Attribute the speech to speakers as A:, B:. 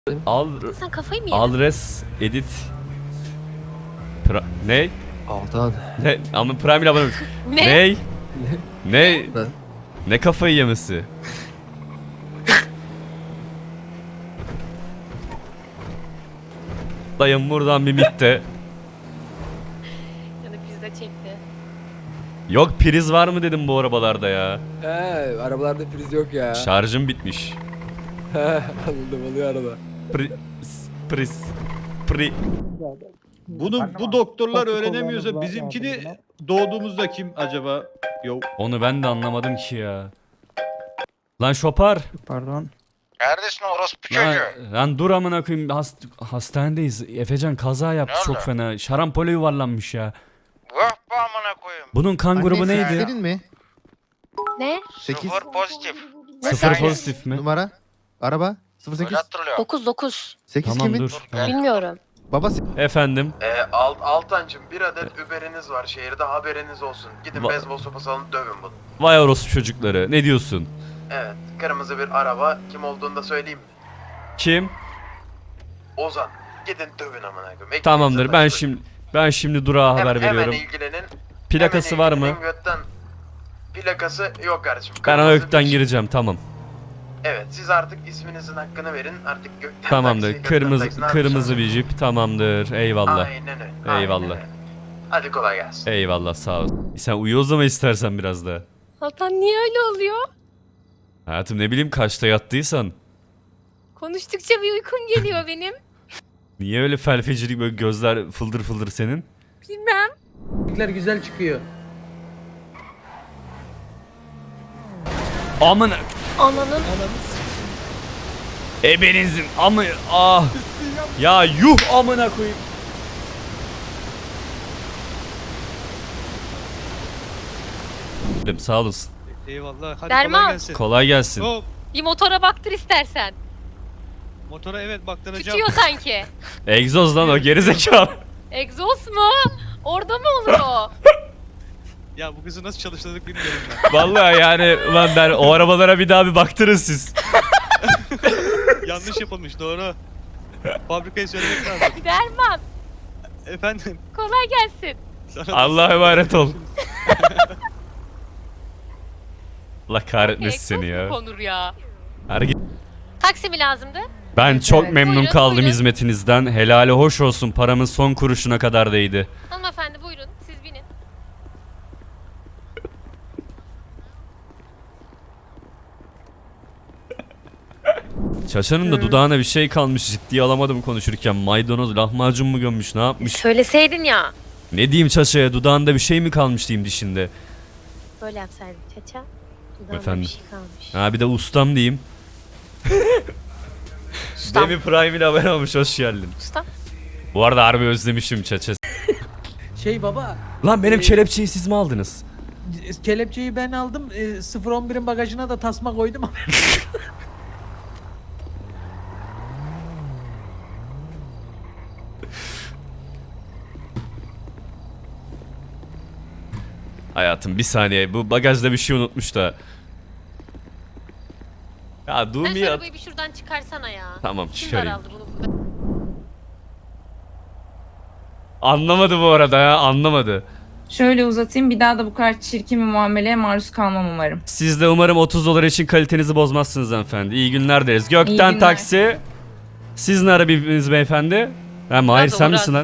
A: Sen kafayı mı yedin?
B: Alres edit. Ne?
C: Altan.
B: Ne? Ama Prime ile abone olmuş.
A: Ne?
B: Ne? Ne?
C: Ben-
B: Ne kafayı yemesi? Dayım buradan bir mitte.
A: Ya da pizza çekti.
B: Yok priz var mı dedim bu arabalarda ya.
C: Arabalarda priz yok ya.
B: Şarjım bitmiş.
C: Anladım, oluyor arada.
B: Priz. Pri.
D: Bu doktorlar öğrenemiyorsa bizimkini doğduğumuzda kim acaba? Yok.
B: Onu ben de anlamadım ki ya. Lan şopar.
E: Pardon.
F: Neredesin orospu
B: Lan,
F: çocuğu?
B: lan dur amına koyayım hastanedeyiz. Efecan kaza yaptı
F: Ne
B: çok
F: oldu?
B: fena. Şarampole yuvarlanmış ya.
F: Vah be amına koyayım.
B: Bunun kan grubu
C: Anne,
B: neydi?
C: Senin mi?
A: Ne?
C: 8
F: Sıfır pozitif.
B: Sıfır
F: Aynen.
B: pozitif mi?
C: numara. Araba 08.
F: Öyle hatırlıyorum.
A: 9.
C: 8
B: Tamam
C: kimin?
B: dur. Tamam.
A: Bilmiyorum.
C: Baba
B: Efendim.
G: Altancım bir adet Uber'iniz var şehirde, haberiniz olsun. Gidin beyzbol sopası alın, dövün bunu.
B: Vay orospu çocukları. Ne diyorsun?
G: Evet, kırmızı bir araba, kim olduğunu da söyleyeyim mi?
B: Kim?
G: Ozan. Gidin dövün amına koyayım. Ekmeğinizi
B: Tamamdır.
G: taşıyın.
B: Ben şimdi durağa haber veriyorum.
G: Hemen ilgilenin.
B: Plakası
G: Hemen
B: var mı?
G: ilgilenin, götten. Plakası yok kardeşim.
B: Ben
G: Kırmızı
B: ökten
G: bir-
B: gireceğim tamam.
G: Evet, siz artık isminizin hakkını verin. Artık gökten
B: Tamamdır.
G: taksi, gökten
B: Kırmızı
G: taksi, ne
B: kırmızı
G: yapacağız?
B: bir jip tamamdır. Eyvallah.
G: Aynen öyle.
B: Eyvallah.
G: aynen öyle. Hadi kolay gelsin.
B: Eyvallah sağ ol. Sen uyu o zaman istersen biraz da.
A: Altan niye öyle oluyor?
B: Hayatım ne bileyim kaçta yattıysan.
A: Konuştukça bir uykum geliyor benim.
B: Niye öyle felfecilik böyle gözler fıldır fıldır senin?
A: Bilmem.
E: Güzel çıkıyor.
B: Amına
A: Ananın.
B: ebenizin amı ah. Ya yuh amına koyayım. Sağ olasın.
D: Eyvallah. Hadi
A: Derman.
D: kolay gelsin.
B: Kolay gelsin.
D: Hop.
A: Bir motora baktır istersen.
D: Motora evet baktıracağım.
A: Tutuyor sanki.
B: Egzoz lan o gerizekalı.
A: Egzoz mu? Orada mı olur o?
D: Ya bu kızı nasıl çalıştırdık bilmiyorum ben.
B: Vallahi yani ulan ben o arabalara bir daha bir baktırın siz.
D: Yanlış yapılmış doğru. Fabrikayı söylemek lazım.
A: Derman.
D: Efendim.
A: Kolay gelsin.
D: Sana da-
B: Allah'a emanet ol. Allah kahretmesin seni
A: Egzoz mu
B: ya.
A: konur ya?
B: Her
A: Taksi mi lazımdı?
B: Ben çok memnun
A: Buyurun,
B: kaldım
A: buyurun.
B: hizmetinizden. Helali hoş olsun. Paramın son kuruşuna kadar değdi.
A: Hanımefendi buyurun siz binin.
B: Çaçanın da dudağına bir şey kalmış. Ciddiye alamadım konuşurken. Maydanoz lahmacun mu gömmüş ne yapmış?
A: Söyleseydin ya.
B: Ne diyeyim Çaça'ya? Dudağında bir şey mi kalmış diyeyim dişinde.
A: Böyle yapsaydın çaça. Dudağımda
B: Efendim?
A: bir şey kalmış.
B: Ha bir de ustam diyeyim.
A: Ustam.
B: Demi Prime ile haber olmuş. Hoş geldin.
A: Ustam.
B: Bu arada harbi özlemişim Çaça.
E: Şey baba,
B: Lan benim kelepçeyi siz mi aldınız?
E: kelepçeyi ben aldım. 011'in bagajına da tasma koydum.
B: Hayatım bir saniye. Bu bagajda bir şey unutmuş da. Ya
A: Sen şu
B: Dumi
A: arabayı bir şuradan çıkarsana ya.
B: Tamam,
A: Kim
B: çıkarayım.
A: daraldı bunu burada?
B: Anlamadı bu arada ya anlamadı.
H: Şöyle uzatayım, bir daha da bu kadar çirkin bir muameleye maruz kalmam umarım.
B: Siz de umarım 30 dolar için kalitenizi bozmazsınız hanımefendi. İyi günler deriz. Gökten
H: İyi günler.
B: taksi. Siz ne arabiniz beyefendi? Ha Mahir
A: Biraz
B: sen
A: Uras.
B: misin lan?